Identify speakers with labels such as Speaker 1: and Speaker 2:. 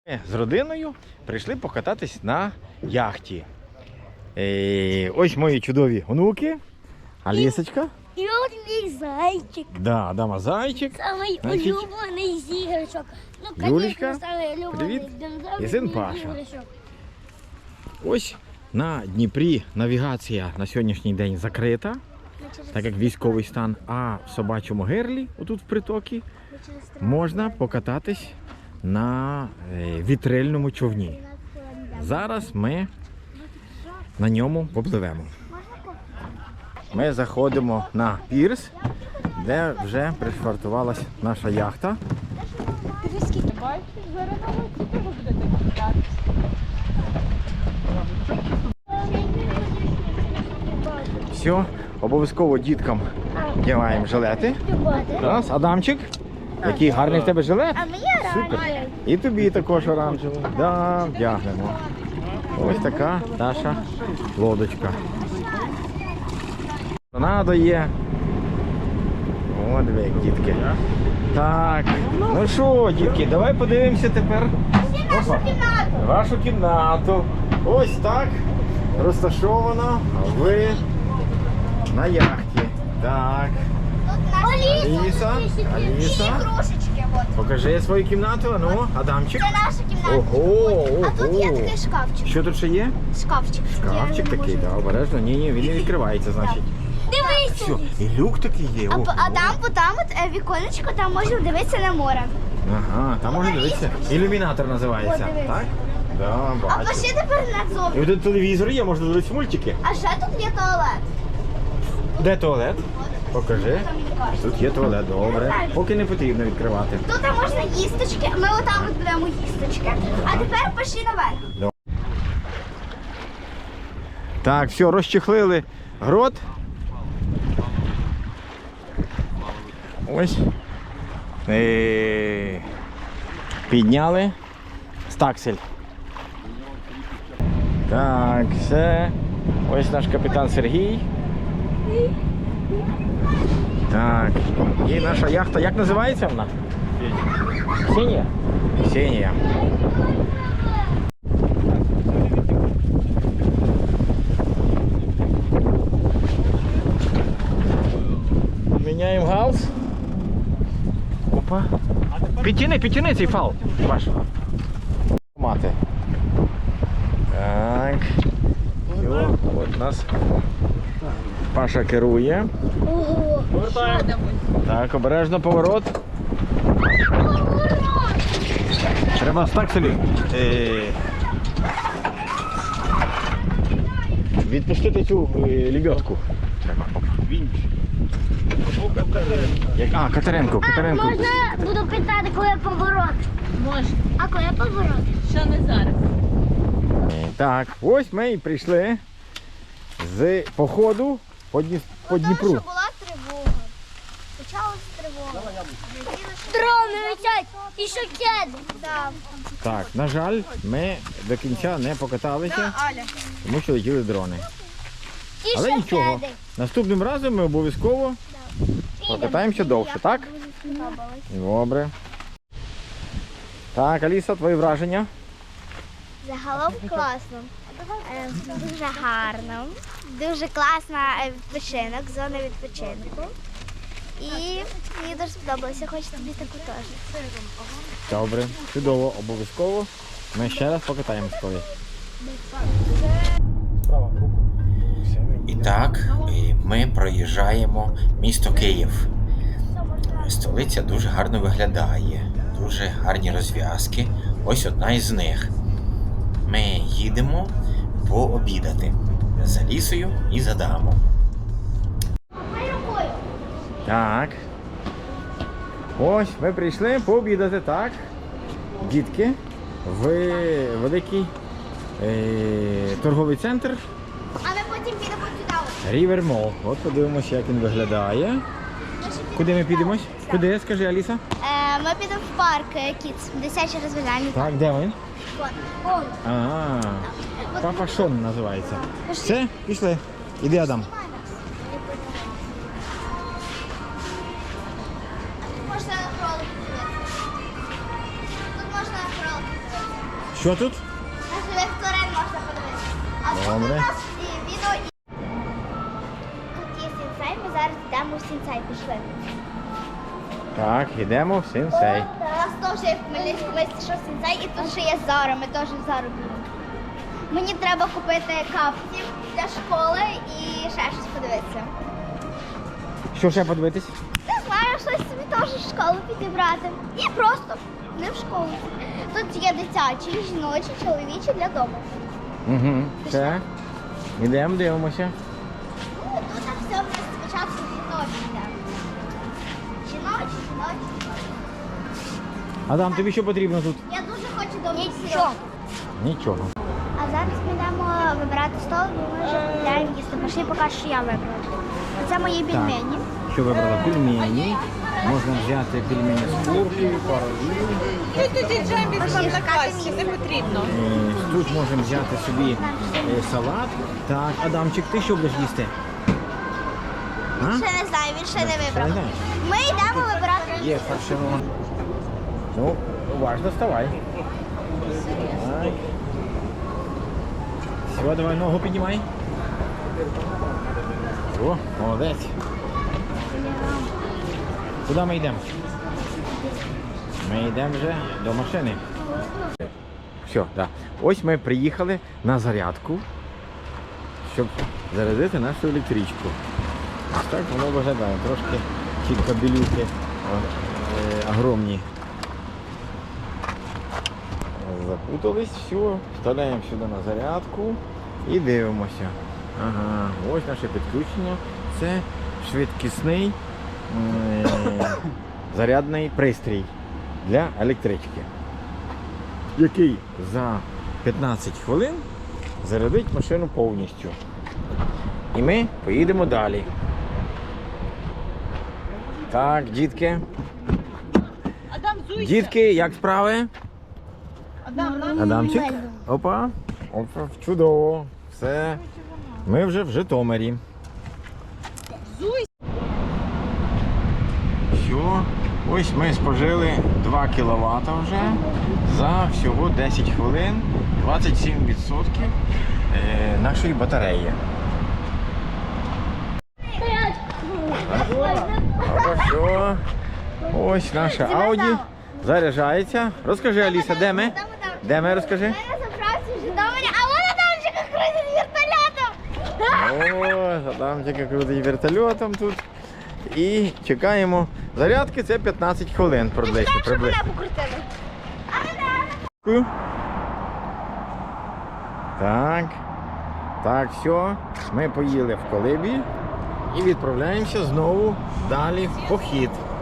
Speaker 1: Ми з родиною прийшли покататись на яхті. Ось мої чудові онуки, Алісочка.
Speaker 2: І от мій зайчик.
Speaker 1: Да, Адама зайчик.
Speaker 2: Самий
Speaker 1: Значить,
Speaker 2: улюблений з іграшок. Ну,
Speaker 1: Юлічка,
Speaker 2: звісно, самий улюблений
Speaker 1: привіт.
Speaker 2: динозавр
Speaker 1: І син
Speaker 2: з
Speaker 1: Паша.
Speaker 2: іграшок.
Speaker 1: Ось на Дніпрі навігація на сьогоднішній день закрита, так як військовий стан, а в Собачому Гирлі, отут в притокі, можна покататись на вітрильному човні. Зараз ми на ньому попливемо. Ми заходимо на пірс, де вже пришвартувалась наша яхта. Все, обов'язково діткам вдягаємо жилети. Раз, Адамчик, який гарний в тебе жилет.
Speaker 2: А мені
Speaker 1: Супер.
Speaker 2: оранжевий.
Speaker 1: І тобі також оранжевий. Да, вдягнемо. Ось така наша лодочка. Торнадо є. О, диви, як дітки. Так, ну що, дітки, давай подивимося тепер. Опа. Вашу кімнату. Ось так розташовано ви на яхті. Так. Аліса, Аліса.
Speaker 2: Ігрушечки, от.
Speaker 1: Покажи свою кімнату, а ну, Адамчик.
Speaker 2: Це наша кімната.
Speaker 1: Ого,
Speaker 2: А тут є
Speaker 1: ого.
Speaker 2: такий шкафчик.
Speaker 1: Що тут ще є?
Speaker 2: Шкафчик.
Speaker 1: Шкафчик такий, да, обережно. Ні, він не відкривається, значить.
Speaker 2: Дивись.
Speaker 1: Все, і люк такий є. Ого.
Speaker 2: А там от віконечко, там можна дивитися на море.
Speaker 1: Ага, там можна дивитися. Ілюмінатор називається,
Speaker 2: О, дивись.
Speaker 1: так? Да,
Speaker 2: А
Speaker 1: бачу.
Speaker 2: пошли тепер
Speaker 1: І
Speaker 2: назовні.
Speaker 1: тут телевізор є, можна дивитися мультики.
Speaker 2: А ще тут є туалет.
Speaker 1: Де туалет? Покажи.
Speaker 2: Там мені кажуть.
Speaker 1: Тут є туалет, добре. Поки не потрібно відкривати.
Speaker 2: Тут можна їсточки, ми отам от будемо їсточки. А тепер пішли наверх.
Speaker 1: Так, все, розчехлили грот. Ось. Підняли стаксель. Так, все. Ось наш капітан Сергій. Так, і наша яхта, як називається вона? Ксенія. Ксенія. Міняємо галс. Опа. Підтяни цей фал. Ваш. Мати. Так. Все, от нас Паша керує.
Speaker 2: Ого.
Speaker 1: Так, обережно поворот. Треба стакселі. Відпустити цю лебедку. Треба. А, Катеринку.
Speaker 2: Можна буду питати, коли поворот?
Speaker 3: Можна,
Speaker 2: А коли поворот?
Speaker 3: що не зараз.
Speaker 1: Так, ось ми і прийшли з походу по Дніпру.
Speaker 2: Тому що була тривога. Почалася тривога. Дрони летять і шокеди. Так.
Speaker 1: Так, на жаль, ми до кінця не покаталися, тому що летіли дрони.
Speaker 2: І
Speaker 1: Але
Speaker 2: шокеди.
Speaker 1: нічого, наступним разом ми обов'язково покатаємося довше, так? Добре. Так, Аліса, твої враження?
Speaker 2: Загалом класно. Дуже гарно. Дуже класна відпочинок, зона відпочинку. І мені дуже сподобалося, хочу тобі таку теж.
Speaker 1: Добре, чудово, обов'язково. Ми ще раз покатаємось колись. І так, ми проїжджаємо місто Київ. Столиця дуже гарно виглядає, дуже гарні розв'язки. Ось одна із них. Ми їдемо пообідати з Алісою і з Адамом. Так. Ось ми прийшли пообідати, так. Дітки, в великий торговий центр
Speaker 2: А ми потім підемо сюди.
Speaker 1: River Mall. От подивимося, як він виглядає. Куди ми підемось? Куди, скажи, Аліса?
Speaker 2: Ми підемо в парк Кіц, дитячий розважальний парк.
Speaker 1: Так, де він?
Speaker 2: Вон.
Speaker 1: А, Папа Шон називається. Все, пішли. Іди, Адам.
Speaker 2: Можна кролик. Тут можна кролик.
Speaker 1: Що тут?
Speaker 2: На живих тварин можна подивитися. А тут у
Speaker 1: Добре.
Speaker 2: нас відео. Тут є сінсей, ми зараз йдемо в сінсей, пішли.
Speaker 1: Так, йдемо в сенсей.
Speaker 2: У нас теж є в Хмельницькому що сінсей, і тут ще є Зара, ми теж в Зару підемо. Мені треба купити капці для школи і ще щось подивитися.
Speaker 1: Що ще подивитись?
Speaker 2: Не знаю, щось собі теж в школу підібрати. І просто не в школу. Тут є дитячі, жіночі, чоловічі для дому.
Speaker 1: Угу. Все. Йдемо, дивимося.
Speaker 2: Ну, тут так все в нас спочатку жіночі йде. Жіночі.
Speaker 1: Адам, тобі що потрібно тут?
Speaker 2: Я дуже хочу до Нічого.
Speaker 1: Нічого.
Speaker 2: А зараз ми йдемо вибирати стол, бо ми вже купляємо їсти. Пошли поки що я вибрала. Це мої пельмені.
Speaker 1: Що вибрала? Пельмені. Можна взяти пельмені з куркою, парові.
Speaker 3: Тоді джембі вам на касі, не потрібно.
Speaker 1: Тут можемо взяти собі салат. Так, Адамчик, ти що будеш їсти? А?
Speaker 2: Ще не знаю, він ще не
Speaker 1: Ще не
Speaker 2: вибрав.
Speaker 1: знаєш?
Speaker 2: Ми йдемо вибирати їсти.
Speaker 1: Є фаршировано. Ну, уважно вставай. Так. Все, давай ногу піднімай. О, молодець. Куди ми йдемо? Ми йдемо вже до машини. Все, так. Ось ми приїхали на зарядку, щоб зарядити нашу електричку. Ось так воно виглядає. Трошки ці кабелюки огромні. Запутались, все, вставляємо сюди на зарядку і дивимося. Ага, ось наше підключення. Це швидкісний зарядний пристрій для електрички, який за 15 хвилин зарядить машину повністю. І ми поїдемо далі. Так, дітки.
Speaker 3: Адам, зуйся.
Speaker 1: Дітки, як справи?
Speaker 3: Адам, нам
Speaker 1: Адамчик. Опа. Опа, чудово. Все. Ми вже в Житомирі.
Speaker 3: зуйся.
Speaker 1: Все. Ось ми спожили 2 кВт вже за всього 10 хвилин, 27% нашої батареї. Все. Ось наша Audi заряджається. Розкажи, Аліса, де ми? Де ми, розкажи?
Speaker 2: Ми на заправці в Житомирі, а вона там вже крутить вертольотом.
Speaker 1: О, Адамчик крутить вертольотом тут. І чекаємо зарядки, це 15 хвилин приблизно.
Speaker 2: Щоб мене покрутили.
Speaker 1: Так. Так, все. Ми поїли в колибі і відправляємося знову далі в похід.